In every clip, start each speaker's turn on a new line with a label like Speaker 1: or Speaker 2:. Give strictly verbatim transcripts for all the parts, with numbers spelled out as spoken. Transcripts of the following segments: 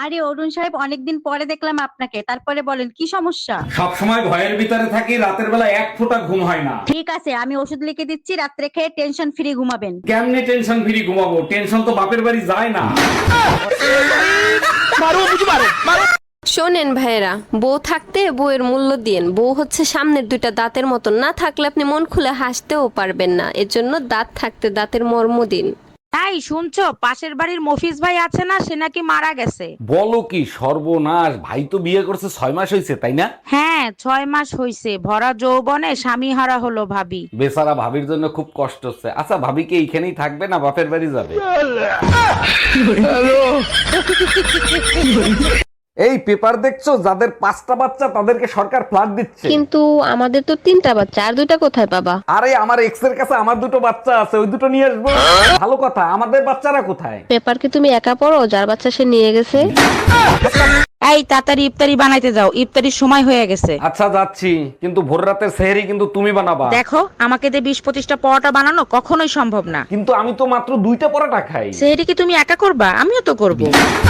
Speaker 1: আরে অরুণ সাহেব, অনেকদিন পরে দেখলাম আপনাকে, তারপরে বলেন কি সমস্যা?
Speaker 2: সব সময় ভয়ের ভিতরে থাকি, রাতের বেলা এক ফোঁটা ঘুম হয় না।
Speaker 1: ঠিক আছে, আমি ওষুধ লিখে দিচ্ছি, রাত্রে খেয়ে টেনশন ফ্রি ঘুমাবেন।
Speaker 2: কেমনে টেনশন ফ্রি ঘুমাবো? টেনশন তো বাপের বাড়ি যায় না।
Speaker 3: শোনেন ভাইয়েরা, বউ থাকতে বউয়ের মূল্য দিয়েন। বউ হচ্ছে সামনের দুইটা দাঁতের মতন, না থাকলে আপনি মন খুলে হাসতেও পারবেন না। এর জন্য দাঁত থাকতে দাঁতের মর্ম দিন।
Speaker 4: তাই শুনছো, পাশের বাড়ির মফিজ ভাই আছে না, সে নাকি মারা গেছে।
Speaker 2: বলো কি সর্বনাশ! ভাই তো বিয়ে করছে ছয় মাস হয়েছে, তাই না?
Speaker 4: হ্যাঁ, ছয় মাস হইছে। ভরা যৌবনে স্বামী হারা হলো ভাবি।
Speaker 2: বেচারা ভাবির জন্য খুব কষ্ট হচ্ছে। আচ্ছা, ভাবি কি এইখানেই থাকবে না বাপের বাড়ি যাবে? এই পেপার দেখছো, যাদের পাঁচটা বাচ্চা তাদেরকে সরকার ফ্ল্যাট দিচ্ছে।
Speaker 3: কিন্তু আমাদের তো তিনটা বাচ্চা, আর দুইটা কোথায় পাবা?
Speaker 2: আরে আমার এক্স এর কাছে আমার দুটো বাচ্চা আছে, ওই দুটো নিয়ে আসবো। ভালো কথা, আমাদের বাচ্চারা কোথায়?
Speaker 3: পেপার কি তুমি একা পড়ো? যার বাচ্চা সে নিয়ে গেছে।
Speaker 4: এই তাড়াতাড়ি ইফতারি বানাইতে যাও, ইফতারির সময় হয়ে গেছে।
Speaker 2: আচ্ছা যাচ্ছি, কিন্তু ভোর রাতের সেহরি কিন্তু তুমি বানাবা।
Speaker 4: দেখো, আমাকে দিয়ে বিশ পঁচিশটা পরোটা বানানো কখনোই সম্ভব না।
Speaker 2: কিন্তু আমি তো মাত্র দুইটা পরোটা খাই।
Speaker 4: সেটা কি তুমি একা করবা? আমিও তো করবো।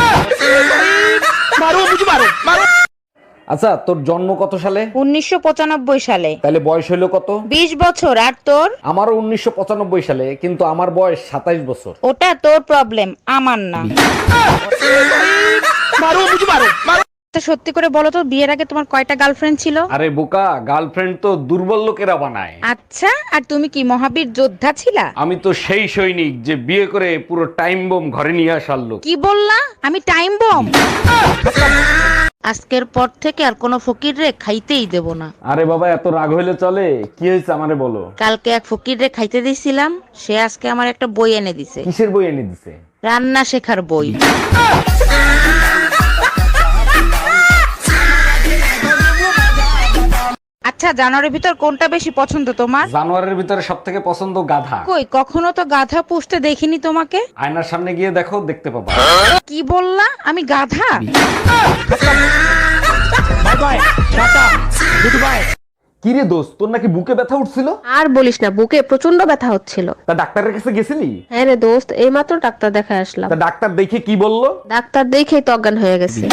Speaker 2: আচ্ছা, তোর জন্ম কত সালে?
Speaker 4: উনিশশো পঁচানব্বই সালে।
Speaker 2: তাহলে বয়স হইলো কত?
Speaker 4: বিশ বছর। আর তোর?
Speaker 2: আমারও উনিশশো পঁচানব্বই সালে, কিন্তু আমার বয়স সাতাইশ বছর।
Speaker 4: ওটা তোর প্রবলেম, আমার না। তা সত্যি করে বলো তো, বিয়ের আগে তোমার কয়টা গার্লফ্রেন্ড ছিল?
Speaker 2: আরে বোকা, গার্লফ্রেন্ড তো দুর্বল লোকেরা বানায়।
Speaker 4: আচ্ছা, আর তুমি কি মহাবীর যোদ্ধা ছিলা?
Speaker 2: আমি তো সেই সৈনিক যে বিয়ে করে পুরো টাইম বোম ঘরে নিয়ে আসার লোক।
Speaker 4: কি বললা? আমি টাইম বম? আজকের পর থেকে আর কোনো ফকির রে খাইতেই দেব না।
Speaker 2: আরে বাবা, এত রাগ হইলে চলে? কি হয়েছে আমারে বলো।
Speaker 4: কালকে এক ফকির রে খাইতে দিছিলাম, সে আজকে আমার একটা বই এনে দিছে।
Speaker 2: কিসের বই এনে দিছে?
Speaker 4: রান্না শেখার বই। আচ্ছা, জানোয়ারের ভিতর কোনটা বেশি পছন্দ তোমার?
Speaker 2: জানোয়ারের ভিতরে সব থেকে পছন্দ গাধা।
Speaker 4: কই, কখনো তো গাধা পুষতে দেখিনি তোমাকে।
Speaker 2: আয়নার সামনে গিয়ে দেখো, দেখতে পাবা।
Speaker 4: কি বললা? আমি গাধা?
Speaker 2: কি রে দোস্ত, তোর নাকি বুকে ব্যথা উঠছিল?
Speaker 3: আর বলিস না, বুকে প্রচন্ড ব্যথা হচ্ছিল।
Speaker 2: তা ডাক্তারের কাছে গেছিলি?
Speaker 3: হ্যাঁ রে দোস্ত, এইমাত্র ডাক্তার দেখায় আসলাম।
Speaker 2: তা ডাক্তার দেখে কি বললো?
Speaker 3: ডাক্তার দেখেই তো অজ্ঞান হয়ে গেছে।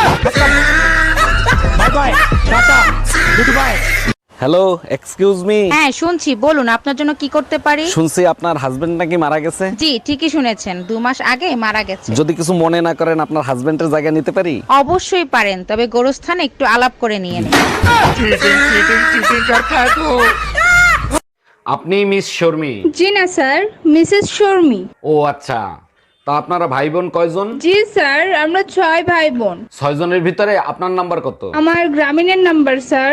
Speaker 2: Hello, excuse me.
Speaker 4: হ্যাঁ শুনছি, বলুন আপনার জন্য কি করতে পারি।
Speaker 2: শুনছি আপনার হাজবেন্ড নাকি মারা গেছে।
Speaker 4: জি ঠিকই শুনেছেন, দু মাস আগে মারা গেছে।
Speaker 2: যদি কিছু মনে না করেন, আপনার হাজবেন্ডের জায়গা নিতে পারি?
Speaker 4: অবশ্যই পারেন, তবে গোরস্থানে একটু আলাপ করে নিয়ে নিন।
Speaker 2: আপনি মিস শর্মি?
Speaker 5: জি না স্যার, মিসেস শর্মি।
Speaker 2: ও আচ্ছা, তা আপনারা ভাই বোন কয়জন?
Speaker 5: জি স্যার, আমরা ছয় ভাই বোন।
Speaker 2: ছয় জনের ভিতরে আপনার নাম্বার কত?
Speaker 5: আমার গ্রামীণের নাম্বার স্যার।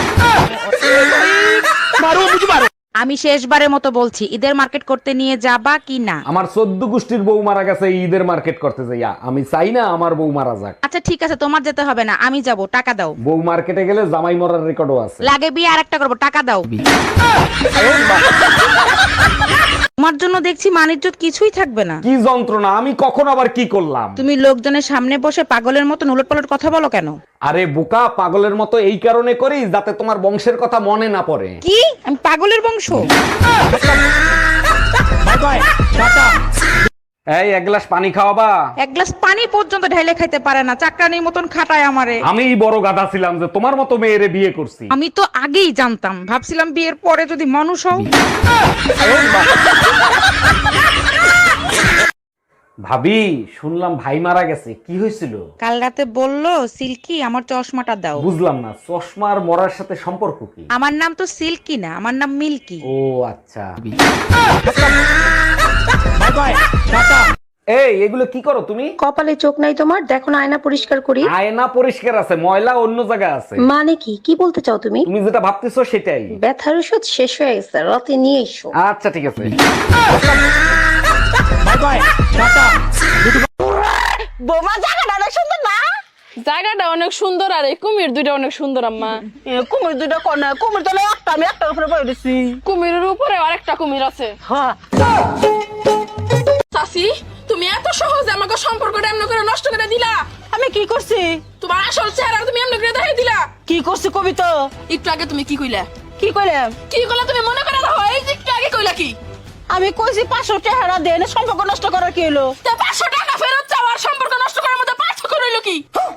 Speaker 4: আমি শেষবারের মতো বলছি, ঈদের মার্কেট করতে নিয়ে যাবা কি না?
Speaker 2: আমার চোদ্দ গোষ্ঠীর বউ মারা গেছে ঈদের মার্কেট করতে যাইয়া। আমি চাই না আমার বউ মারা যাক।
Speaker 4: আচ্ছা ঠিক আছে, তোমার যেতে হবে না, আমি যাব, টাকা দাও।
Speaker 2: বউ মার্কেটে গেলে জামাই মরার রেকর্ডও আছে।
Speaker 4: লাগে বিয়ে আর একটা করবো, টাকা দাও। তোমার জন্য দেখছি মানিজ্জত কিছুই থাকবে না।
Speaker 2: কি যন্ত্রণা! আমি কখন আবার কি করলাম?
Speaker 4: তুমি লোকজনের সামনে বসে পাগলের মতো উলটপালট কথা বলো কেন?
Speaker 2: আরে বোকা, পাগলের মতো এই কারণে করি যাতে তোমার বংশের কথা মনে না পড়ে।
Speaker 4: কি? আমি পাগলের বংশ?
Speaker 2: এই এক গ্লাস পানি খাওয়াবা?
Speaker 4: এক গ্লাস পানি পর্যন্ত ঢেলে খাইতে পারে না, চাকরানির মতন খাটায় আমারে।
Speaker 2: আমি বড় গাধা ছিলাম যে তোমার মতো মেয়েরে বিয়ে করছি।
Speaker 4: আমি তো আগেই জানতাম, ভাবছিলাম বিয়ের পরে যদি মানুষ হও।
Speaker 2: ভাবি, শুনলাম ভাই মারা গেছে, কি হয়েছিল?
Speaker 4: কাল রাতে বললো সিল্কি আমার চশমাটা দাও।
Speaker 2: বুঝলাম না, চশমার মরার সাথে সম্পর্ক কি?
Speaker 4: আমার নাম তো সিল্কি না, আমার নাম মিল্কি।
Speaker 2: ও আচ্ছা। এই এগুলো কি করো তুমি?
Speaker 3: কপালে চোখ নাই তোমার? দেখো না, আয়না পরিষ্কার করি।
Speaker 2: আয়না পরিষ্কার আছে, ময়লা অন্য জায়গায় আছে।
Speaker 3: মানে কি কি বলতে চাও তুমি?
Speaker 2: তুমি যেটা ভাবতেছো সেটাই।
Speaker 3: ব্যথার ওষুধ শেষ হয়ে গেছে, রাতে নিয়ে এসো।
Speaker 2: আচ্ছা ঠিক আছে।
Speaker 6: বোমা জায়গাটা অনেক সুন্দর না?
Speaker 7: জায়গাটা অনেক সুন্দর, আর এই কুমির দুইটা অনেক সুন্দর আম্মা।
Speaker 6: এ, কুমির দুইটা কোন? কুমির তো একটা, আমি একটার উপরে বয়ে দিচ্ছি।
Speaker 7: কুমিরের উপরে আরেকটা কুমির আছে।
Speaker 6: হ্যাঁ।
Speaker 7: চাচি, তুমি এত সহজে আমাকে সম্পর্কটা এমন করে নষ্ট করে দিলা।
Speaker 6: আমি কি করছি?
Speaker 7: তোমার আসল চেহারা তুমি এমন করে দেখাই দিলা।
Speaker 6: কি করছি কবিতা?
Speaker 7: একটু আগে তুমি কি কইলা?
Speaker 6: কি কইলাম?
Speaker 7: কি কইলা তুমি মনে করে রাখো। এই যে একটু আগে কইলা কি?
Speaker 6: আমি কইছি পাঁচশো টাকা দেন, সম্পর্ক নষ্ট করার কি হলো?
Speaker 7: তা পাঁচশো টাকা ফেরত চাও আর সম্পর্ক নষ্ট করার মধ্যে পার্থক্য রইল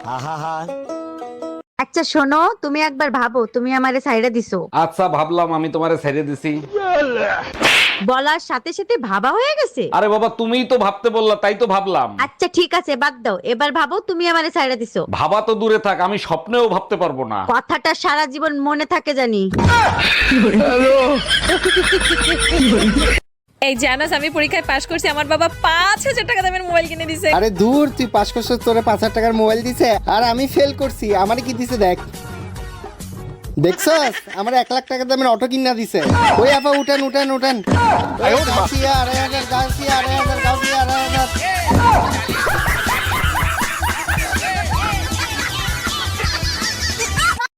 Speaker 8: আচ্ছা শোনো, তুমি একবার ভাবো তুমি আমারে সাইডে দিছো।
Speaker 2: আচ্ছা ভাবলাম, আমি তোমারে ছেড়ে দিছি।
Speaker 8: বলার সাথে সাথে ভাবা হয়ে গেছে।
Speaker 2: আরে বাবা, তুমিই তো ভাবতে বললা, তাই তো ভাবলাম।
Speaker 8: আচ্ছা ঠিক আছে, বাদ দাও, এবার ভাবো তুমি আমারে সাইডে দিছো।
Speaker 2: ভাবা তো দূরে থাক, আমি স্বপ্নেও ভাবতে পারবো না।
Speaker 8: কথাটা সারা জীবন মনে থাকে জানি।
Speaker 9: এই জানাস আমি পরীক্ষায় পাশ করছি, আমার বাবা পাঁচ হাজার টাকা দামের মোবাইল কিনে দিছে।
Speaker 10: আরে দূর, তুই পাস করছিস, তোরে পাঁচ হাজার টাকার মোবাইল দিছে, আর আমি ফেল করছি, আমারে কি দিছে দেখ। দেখছস, আমার এক লাখ টাকা দামের অটো কিনা দিছে। ওই আপা উঠেন উঠেন উঠেন, গাছিয়া আড়াই হাজার, গাছিয়া আড়াই হাজার, গাছিয়া আড়াই হাজার।